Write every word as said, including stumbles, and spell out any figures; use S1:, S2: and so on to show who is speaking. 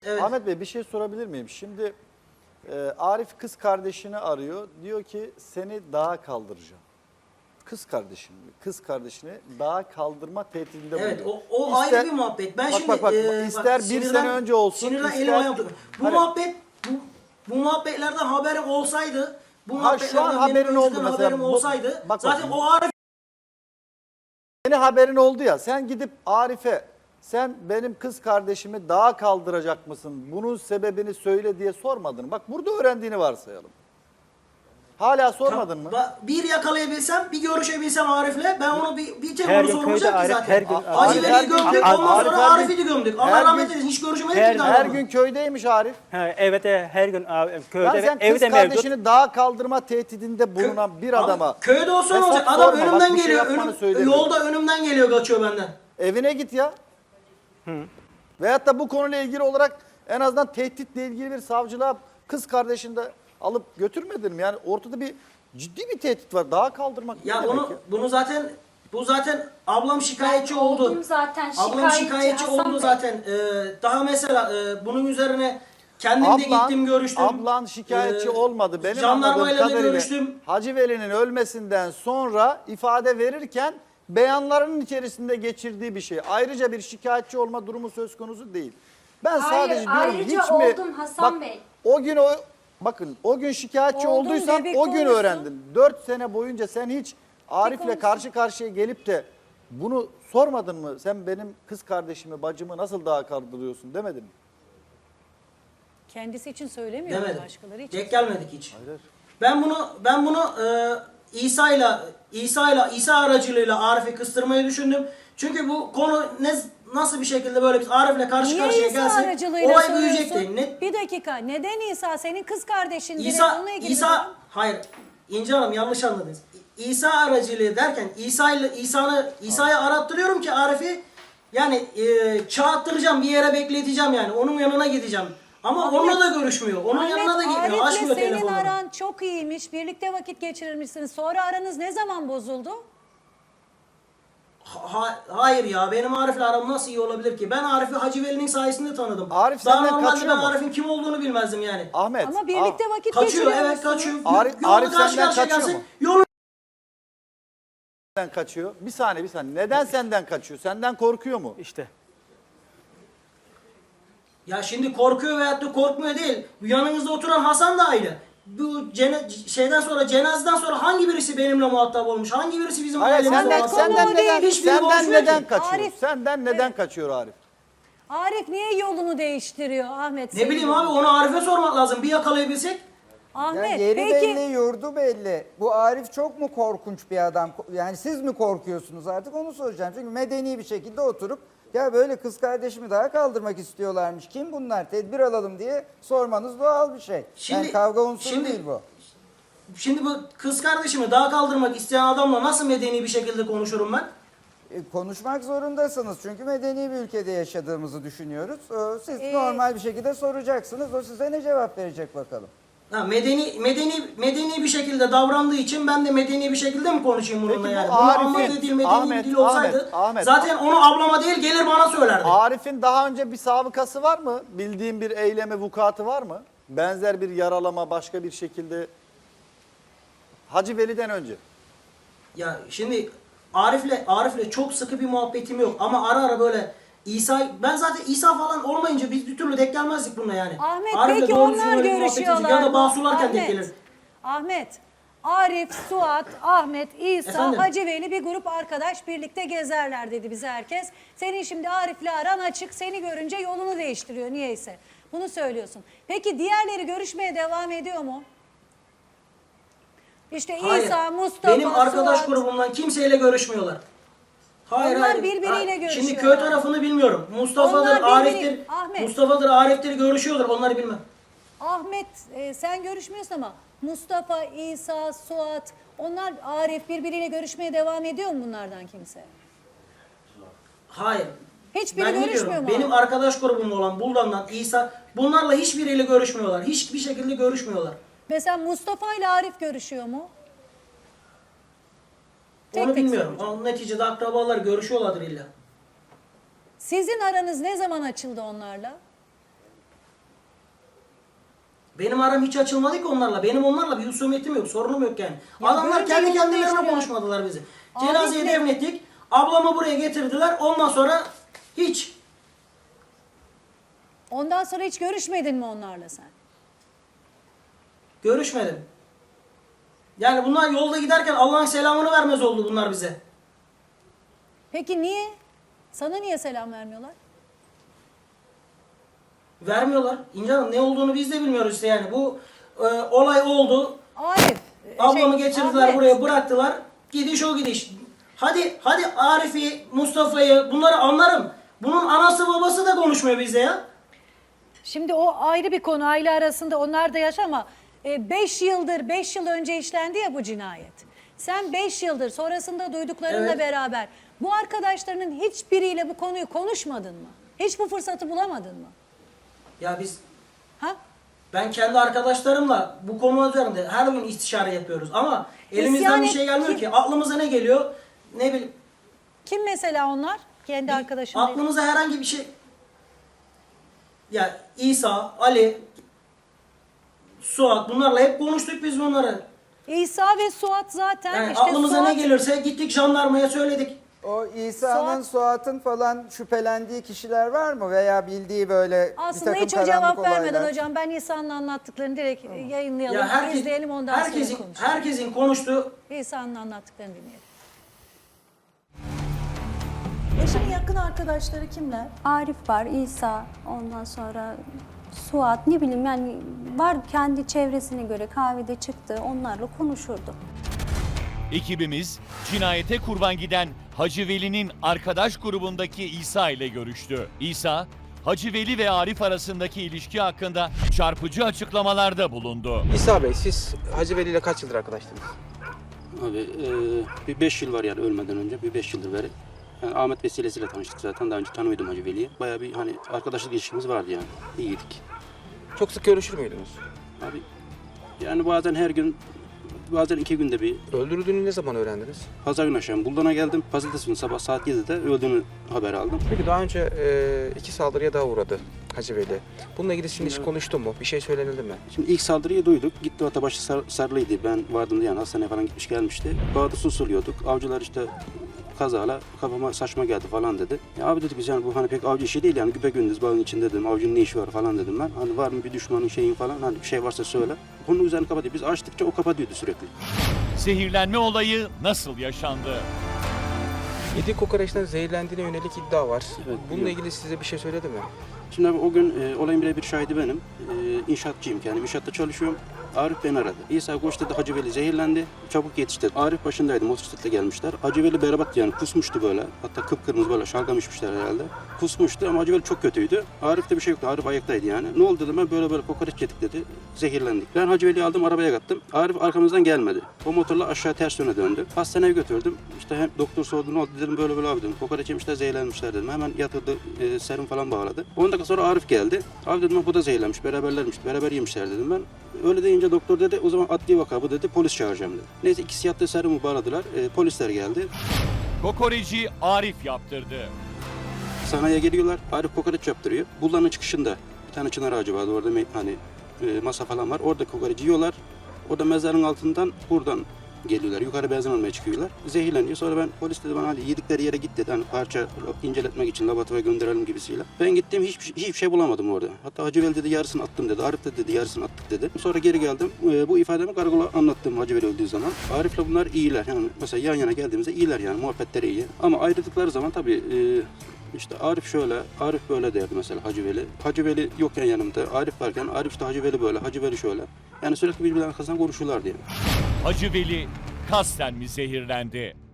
S1: Evet.
S2: Ahmet Bey bir şey sorabilir miyim? Şimdi e, Arif kız kardeşini arıyor. Diyor ki seni dağa kaldıracağım. Kız kardeşim, kız kardeşini dağa kaldırma tehdidinde bulunuyor.
S1: Evet, o, o
S2: İster-
S1: ayrı bir muhabbet. Ben
S2: bak,
S1: şimdi
S2: bak, bak,
S1: e,
S2: ister
S1: bak,
S2: bir
S1: sinirden-
S2: sene önce olsun,
S1: sinirden
S2: ister-
S1: elim ayağım tutuyor. Bu
S2: Hani-
S1: muhabbet bu, bu muhabbetlerden haberim olsaydı, bu
S2: Ha, şu
S1: muhabbetlerden
S2: an
S1: benim
S2: haberin oldu
S1: önceden
S2: mesela.
S1: haberim
S2: Bu-
S1: olsaydı
S2: bak
S1: zaten
S2: bakayım.
S1: o Arif
S2: Yeni haberin oldu ya, sen gidip Arif'e sen benim kız kardeşimi dağa kaldıracak mısın? Bunun sebebini söyle diye sormadın. Bak burada öğrendiğini varsayalım. Hala sormadın mı?
S1: Ba- bir yakalayabilsem, bir görüşebilsem Arif'le ben onu bir, bir tek
S3: Her
S1: onu
S3: gün
S1: sormayacak
S3: köyde
S1: ki
S3: Arif,
S1: zaten.
S3: her gün
S1: Acı
S2: Arif her
S1: Veli'yi
S2: gün-
S1: gömdük,
S2: Arif
S1: ondan
S2: her
S1: sonra
S2: gün-
S1: Arif'i de gömdük. Allah
S2: her
S1: rahmet
S2: gün-
S1: eylesin, hiç görüşmedik
S3: her-
S1: ki daha
S2: Her
S1: onunla.
S2: gün köydeymiş Arif.
S3: Ha, evet e, her gün abi, köyde
S2: Ya
S3: ve
S2: sen kız
S3: evde mevcut.
S2: kardeşini dağa kaldırma tehdidinde bulunan bir
S1: Abi,
S2: adama
S1: köyde olsa ne
S2: hesap
S1: olacak? Adam
S2: sorma. Bak,
S1: önümden
S2: bir şey
S1: geliyor,
S2: yapmanı
S1: önüm,
S2: söylemiyorum.
S1: yolda önümden geliyor, kaçıyor benden.
S2: Evine git ya. Hı. Veyahut da bu konuyla ilgili olarak en azından tehditle ilgili bir savcılığa kız kardeşini de alıp götürmedin mi? Yani ortada bir ciddi bir tehdit var. Dağa kaldırmak ne
S1: Ya
S2: demek
S1: bunu bunu zaten bu zaten ablam şikayetçi
S4: Ben
S1: oldu.
S4: oldum zaten,
S1: Ablam
S4: şikayetçi
S1: şikayetçi
S4: Hasan
S1: oldu
S4: Bey.
S1: zaten. Ee, daha mesela e, bunun üzerine kendim de gittim görüştüm.
S2: Ablan şikayetçi
S1: Ee,
S2: olmadı. Benim
S1: jandarmayla
S2: anladığım
S1: da
S2: kadarıyla
S1: görüştüm.
S2: Hacı Veli'nin ölmesinden sonra ifade verirken beyanlarının içerisinde geçirdiği bir şey. Ayrıca bir şikayetçi olma durumu söz konusu değil. Ben
S4: Hayır,
S2: sadece diyorum
S4: ayrıca
S2: hiç mi...
S4: oldum Hasan
S2: Bak,
S4: Bey.
S2: o gün o... Bakın o gün şikayetçi
S5: Oldum
S2: olduysan
S5: bebek
S2: o gün
S5: olmuşsun.
S2: öğrendin. Dört sene boyunca sen hiç Arif'le
S5: olmuşsun.
S2: karşı karşıya gelip de bunu sormadın mı? Sen benim kız kardeşimi, bacımı nasıl dağa kaldırıyorsun demedin mi?
S5: Kendisi için söylemiyor
S1: Demedim.
S5: başkaları için.
S1: Denk gelmedik hiç.
S2: Hayır.
S1: Ben bunu ben bunu e, İsa'yla İsa'yla İsa aracılığıyla Arif'i kıstırmayı düşündüm. Çünkü bu konu ne nasıl bir şekilde böyle biz Arif'le karşı
S5: Niye
S1: karşıya
S5: İsa
S1: gelsek
S5: aracılığıyla
S1: olay
S5: soruyorsun?
S1: büyüyecekti. Ne,
S5: Bir dakika. Neden İsa? Senin kız kardeşin. direkt
S1: İsa,
S5: onunla ilgili
S1: İsa,
S5: bir durum.
S1: hayır. İnce Hanım yanlış anladınız. İ- İsa aracılığı derken İsa ile İsa'nı İsa'ya arattırıyorum ki Arif'i yani e, çağıttıracağım, bir yere bekleteceğim yani. Onun yanına gideceğim. Ama
S5: Ahmet,
S1: onunla da görüşmüyor. Onun yanına da gitmiyor.
S5: Arif'le
S1: Açmıyor
S5: senin
S1: telefonunu.
S5: aran çok iyiymiş. Birlikte vakit geçirirmişsiniz. Sonra aranız ne zaman bozuldu?
S1: Ha- hayır ya, benim Arif'le aram nasıl iyi olabilir ki? Ben Arif'i Hacı Veli'nin sayesinde tanıdım.
S2: Arif
S1: Daha
S2: senden
S1: normalde
S2: kaçıyor
S1: ben
S2: mu?
S1: Arif'in kim olduğunu bilmezdim yani.
S2: Ahmet.
S5: Ama birlikte
S2: Ah,
S5: vakit
S1: Kaçıyor, evet
S5: geçiriyormuşsunuz.
S1: kaçıyor.
S2: Arif-
S1: Yolda
S2: Arif
S1: karşı
S2: senden
S1: karşıya
S2: kaçıyor
S1: gelse,
S2: mu?
S1: Yolu
S2: Neden kaçıyor? Bir saniye bir saniye. Neden senden kaçıyor? Senden korkuyor mu?
S3: İşte.
S1: Ya şimdi korkuyor veyahut da korkmuyor değil. Bu yanınızda oturan Hasan da aynı. Bu cene, şeyden sonra, cenazeden sonra hangi birisi benimle muhatap olmuş? Hangi birisi bizim
S2: Hayır
S1: ailemizle
S2: senden,
S1: muhatap
S2: senden
S1: olmuş?
S2: neden,
S1: Hiçbiri
S2: senden
S1: konuşmuyor
S2: neden
S1: ki.
S2: kaçıyor?
S5: Arif-
S2: Senden neden
S5: Evet.
S2: kaçıyor Arif?
S5: Arif niye yolunu değiştiriyor Ahmet?
S1: Ne
S5: senin
S1: bileyim
S5: yolunu?
S1: abi, onu Arif'e sormak lazım. Bir yakalayabilsek.
S5: Ahmet
S6: Yani yeri
S5: peki.
S6: belli, yurdu belli. Bu Arif çok mu korkunç bir adam? Yani siz mi korkuyorsunuz artık onu soracağım. Çünkü medeni bir şekilde oturup ya böyle kız kardeşimi daha kaldırmak istiyorlarmış. Kim bunlar? Tedbir alalım diye sormanız doğal bir şey.
S1: Şimdi-
S6: yani kavga unsuru
S1: şimdi-
S6: değil bu.
S1: Şimdi bu kız kardeşimi daha kaldırmak isteyen adamla nasıl medeni bir şekilde konuşurum ben?
S6: E, konuşmak zorundasınız çünkü medeni bir ülkede yaşadığımızı düşünüyoruz. E, Siz
S5: Ee,
S6: normal bir şekilde soracaksınız. O size ne cevap verecek bakalım.
S1: Ha, medeni medeni medeni bir şekilde davrandığı için ben de medeni bir şekilde mi konuşayım bununla
S2: Peki bu
S1: yani? Bunu
S2: Arif'in-
S1: anladığı dil medeni
S2: Ahmet,
S1: bir dil olsaydı
S2: Ahmet, Ahmet.
S1: zaten onu ablama değil gelir bana söylerdi.
S2: Arif'in daha önce bir sabıkası var mı? Bildiğin bir eyleme vukuatı var mı? Benzer bir yaralama başka bir şekilde Hacı Veli'den önce.
S1: Ya şimdi Arif'le Arif'le çok sıkı bir muhabbetim yok ama ara ara böyle İsa, ben zaten İsa falan olmayınca biz bir türlü denk gelmezdik bununla yani.
S5: Ahmet
S1: Arif'le
S5: peki
S1: doğru düzgün
S5: onlar
S1: öyle bir muhabbetimiz yok.
S5: görüşüyorlar
S1: Ya da
S5: mı?
S1: bahsularken denk
S5: Ahmet,
S1: gelir.
S5: Ahmet, Arif, Suat, Ahmet, İsa,
S1: Efendim?
S5: Hacı Veli bir grup arkadaş birlikte gezerler dedi bize herkes. Senin şimdi Arif'le aran açık, seni görünce yolunu değiştiriyor niyeyse. Bunu söylüyorsun. Peki diğerleri görüşmeye devam ediyor mu? İşte
S1: Hayır.
S5: İsa, Mustafa,
S1: Benim arkadaş
S5: Suat.
S1: grubumdan kimseyle görüşmüyorlar. Hayır
S5: Onlar
S1: hayır.
S5: birbiriyle
S1: Hayır.
S5: görüşüyorlar.
S1: Şimdi köy tarafını bilmiyorum. Mustafa'dır,
S5: Onlar birbiri-
S1: Arif'tir.
S5: Ahmet.
S1: Mustafa'dır, Arif'tir görüşüyorlar. Onları bilmem.
S5: Ahmet e, sen görüşmüyorsun ama Mustafa, İsa, Suat onlar Arif birbiriyle görüşmeye devam ediyor mu bunlardan kimse?
S1: Hayır.
S5: Hiçbiri
S1: Ben ne
S5: görüşmüyor
S1: diyorum?
S5: mu?
S1: Benim arkadaş grubum olan Buldan'dan İsa, bunlarla hiçbiriyle görüşmüyorlar. Hiçbir şekilde görüşmüyorlar.
S5: Mesela Mustafa ile Arif görüşüyor mu? Tek
S1: Onu
S5: tek
S1: bilmiyorum.
S5: soracağım.
S1: Ama neticede akrabalar görüşüyorlardır illa.
S5: Sizin aranız ne zaman açıldı onlarla?
S1: Benim aram hiç açılmadı ki onlarla. Benim onlarla bir husumetim yok, sorunum yok yani.
S5: Ya
S1: Adamlar
S5: görünce
S1: kendi
S5: yolunu
S1: kendilerine
S5: değiştiriyor.
S1: konuşmadılar bizi.
S5: Abi
S1: Cenazeyi
S5: işte-
S1: defnettik. Ablamı buraya getirdiler. Ondan sonra hiç.
S5: Ondan sonra hiç görüşmedin mi onlarla sen?
S1: Görüşmedim. Yani bunlar yolda giderken Allah'ın selamını vermez oldu bunlar bize.
S5: Peki niye? Sana niye selam vermiyorlar?
S1: Vermiyorlar. İnce Hanım, ne olduğunu biz de bilmiyoruz işte yani. Bu e, olay oldu.
S5: Arif. e,
S1: Ablamı
S5: şey,
S1: getirdiler
S5: Ahmet.
S1: buraya, bıraktılar. Gidiş o gidiş. Hadi hadi Arif'i, Mustafa'yı bunları anlarım. Bunun anası babası da konuşmuyor bizde ya.
S5: Şimdi o ayrı bir konu, aile arasında onlar da yaşa ama beş yıldır, beş yıl önce işlendi ya bu cinayet. Sen beş yıldır sonrasında duyduklarınla
S1: Evet.
S5: beraber bu arkadaşlarının hiçbiriyle bu konuyu konuşmadın mı? Hiç bu fırsatı bulamadın mı?
S1: Ya biz,
S5: Ha?
S1: ben kendi arkadaşlarımla bu konu üzerinde her gün istişare yapıyoruz. Ama elimizden
S5: İsyan
S1: bir
S5: et-
S1: şey gelmiyor
S5: kim-
S1: ki. Aklımıza ne geliyor? Ne bileyim.
S5: Kim mesela onlar? Kendi arkadaşın değil.
S1: Aklımıza herhangi bir şey... Ya İsa, Ali, Suat, bunlarla hep konuştuk biz bunları.
S5: İsa ve Suat zaten
S1: Yani
S5: işte
S1: aklımıza
S5: Suat,
S1: ne gelirse gittik jandarmaya söyledik.
S6: O İsa'nın,
S5: Suat-
S6: Suat'ın falan şüphelendiği kişiler var mı? Veya bildiği böyle
S5: aslında
S6: bir takım
S5: hiç o cevap
S6: karanlık
S5: vermeden
S6: olaylar?
S5: hocam ben İsa'nın anlattıklarını direkt yayınlayalım,
S1: Ya herkes,
S5: izleyelim ondan
S1: herkesin,
S5: sonra konuşalım.
S1: herkesin konuştuğu...
S5: İsa'nın anlattıklarını dinleyelim.
S4: Eşinin yakın arkadaşları kimler?
S7: Arif var, İsa, ondan sonra Suat, ne bileyim yani var kendi çevresine göre kahvede çıktı, onlarla konuşurdu.
S8: Ekibimiz cinayete kurban giden Hacı Veli'nin arkadaş grubundaki İsa ile görüştü. İsa, Hacı Veli ve Arif arasındaki ilişki hakkında çarpıcı açıklamalarda bulundu.
S9: İsa Bey, siz Hacı Veli ile kaç yıldır arkadaştınız?
S10: Abi e, bir beş yıl var yani ölmeden önce bir beş yıldır beri. Yani Ahmet vesilesiyle tanıştık zaten. Daha önce tanımıyordum Hacı Veli'yi. Bayağı bir hani arkadaşlık ilişkimiz vardı yani. İyiydik.
S9: Çok sık görüşür müydünüz?
S10: Abi yani bazen her gün, bazen iki günde bir.
S9: Öldürüldüğünü ne zaman öğrendiniz?
S10: Pazar günü akşam Buldan'a geldim. Pazartesi günü sabah saat yedide öldüğünü haber aldım.
S9: Peki daha önce e, iki saldırıya daha uğradı Hacı Veli. Bununla ilgili şimdi hiç
S10: Evet.
S9: konuştu mu? Bir şey söylenildi mi?
S10: Şimdi ilk saldırıyı duyduk. Gitti Atabaşı sar, sarılıydı. Ben vardım diye yani hastaneye falan gitmiş gelmişti. Bağda susuluyorduk. Avcılar işte kazayla kafama saçma geldi falan dedi. Ya abi dedik biz yani bu hani pek avcı işi değil yani güpe gündüz bağın içinde dedim. Avcının ne işi var falan dedim ben. Hani var mı bir düşmanın şeyin falan hani bir şey varsa söyle. Konunun üzerini kapatıyor. Biz açtıkça o kapatıyordu sürekli.
S8: Zehirlenme olayı nasıl yaşandı?
S9: Yediği kokoreçten zehirlendiğine yönelik iddia var.
S10: Evet,
S9: Bununla
S10: biliyorum.
S9: ilgili size bir şey söyledi mi?
S10: Şimdi abi o gün e, olayın birebir şahidi benim. E, inşaatçıyım yani inşaatta çalışıyorum. Arif beni aradı. İsa koş dedi Hacı Veli zehirlendi. Çabuk yetiş dedi. Arif başındaydı motosikletle gelmişler. Hacı Veli berbat yani kusmuştu böyle. Hatta kıpkırmızı böyle şalgam içmişler herhalde. Kusmuştu ama Hacı Veli çok kötüydü. Arif'te bir şey yoktu. Arif ayaktaydı yani. Ne oldu dedim ben böyle böyle kokoreç yedik dedi. Zehirlendik. Ben Hacı Veli'yi aldım arabaya kattım. Arif arkamızdan gelmedi. O motorla aşağı ters yöne döndü. Hastaneye götürdüm. İşte hem doktor sordu ne oldu dedim böyle böyle abi dedim. Kokoreç yemişler zehirlenmişler dedim. Hemen yatırdı e, serum falan bağladı. on dakika sonra Arif geldi. Abi dedim bu da zehirlenmiş. Beraberlermiş. Beraber yemişler dedim ben. Öyle deyince doktor dedi o zaman adli vaka bu dedi. Polis çağıracağım dedi. Neyse ikisi yattı serumu bağladılar. E, polisler geldi.
S8: Kokoreci Arif yaptırdı.
S10: Sanayiye geliyorlar. Arif kokoreç yaptırıyor. Buldanın çıkışında bir tane çınar ağacı vardı. Orada me- hani e, masa falan var. Orada kokoreci yiyorlar. Orada mezarın altından buradan geliyorlar. Yukarı benzin almaya çıkıyorlar. Zehirleniyor. Sonra ben polis dedi bana hadi yedikleri yere git dedi. Hani parça inceletmek için laboratuvara gönderelim gibisiyle. Ben gittim hiçbir, şey- hiçbir şey bulamadım orada. Hatta Hacı Veli dedi yarısını attım dedi. Arif de dedi yarısını attık dedi. Sonra geri geldim. E, bu ifademi karakola anlattım Hacı Veli öldüğü zaman. Arif'le bunlar iyiler. Yani mesela yan yana geldiğimizde iyiler yani. Muhabbetleri iyi. Ama ayrıldıkları zaman tabii e, işte Arif şöyle, Arif böyle derdi mesela Hacı Veli. Hacı Veli yokken yanımda, Arif varken Arif de Hacı Veli böyle, Hacı Veli şöyle. Yani sürekli birbirlerine arkasından konuşuyorlardı yani.
S8: Hacı Veli kasten mi zehirlendi?